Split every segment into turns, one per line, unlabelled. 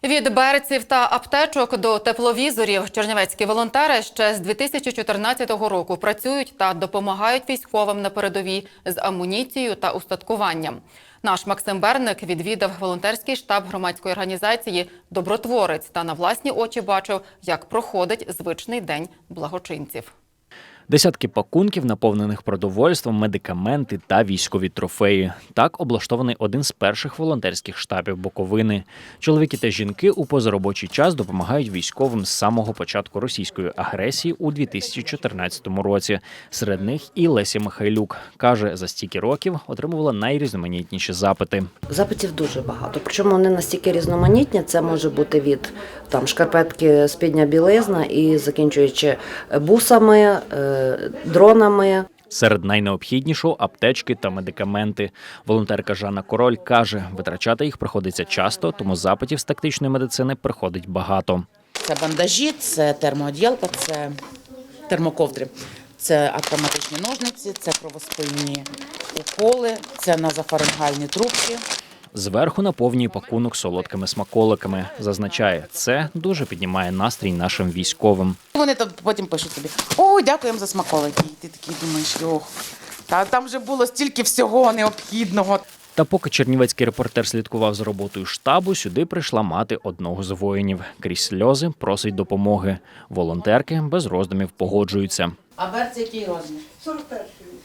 Від берців та аптечок до тепловізорів чернівецькі волонтери ще з 2014 року працюють та допомагають військовим на передовій з амуніцією та устаткуванням. Наш Максим Берник відвідав волонтерський штаб громадської організації «Добротворець» та на власні очі бачив, як проходить звичний день благочинців.
Десятки пакунків, наповнених продовольством, медикаменти та військові трофеї. Так облаштований один з перших волонтерських штабів Буковини. Чоловіки та жінки у позаробочий час допомагають військовим з самого початку російської агресії у 2014 році. Серед них і Леся Михайлюк. Каже, за стільки років отримувала найрізноманітніші запити.
Запитів дуже багато, причому вони настільки різноманітні, це може бути від шкарпетки, спідня білизна і закінчуючи бусами, дронами.
Серед найнеобхіднішого – аптечки та медикаменти. Волонтерка Жанна Король каже, витрачати їх приходиться часто, тому запитів з тактичної медицини приходить багато.
Це бандажі, це термооділка, це термоковдри, це автоматичні ножниці, це кровоспинні уколи, це назофарингальні трубки.
Зверху наповнює пакунок солодкими смаколиками. Зазначає, це дуже піднімає настрій нашим військовим.
Вони потім пишуть тобі: «Ой, дякуємо за смаколики». І ти такий думаєш: «Ох, там вже було стільки всього необхідного».
Та поки чернівецький репортер слідкував за роботою штабу, сюди прийшла мати одного з воїнів. Крізь сльози просить допомоги. Волонтерки без роздумів погоджуються.
А берці який розмір?
41-й.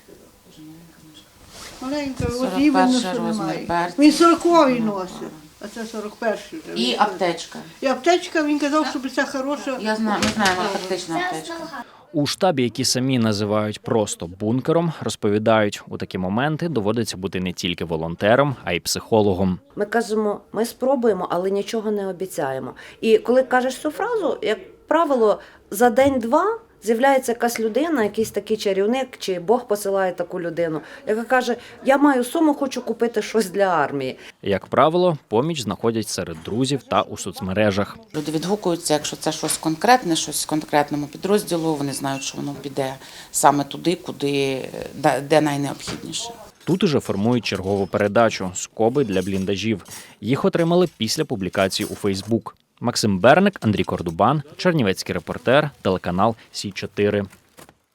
Маленька,
41 розмір берці.
Він 40-й носить, а це 41-й.
І аптечка.
І аптечка, він казав, що це хороша.
Я знаю, ми знаємо, тактична аптечка.
У штабі, які самі називають просто бункером, розповідають, у такі моменти доводиться бути не тільки волонтером, а й психологом.
Ми кажемо, ми спробуємо, але нічого не обіцяємо. І коли кажеш цю фразу, як правило, за день-два з'являється якась людина, якийсь такий чарівник, чи Бог посилає таку людину, яка каже: я маю суму, хочу купити щось для армії.
Як правило, поміч знаходять серед друзів та у соцмережах.
Люди відгукуються, якщо це щось конкретне, щось з конкретному підрозділу, вони знають, що воно піде саме туди, де найнеобхідніше.
Тут уже формують чергову передачу «Скоби для бліндажів». Їх отримали після публікації у Фейсбук. Максим Берник, Андрій Кордубан, чернівецький репортер, телеканал Сі 4.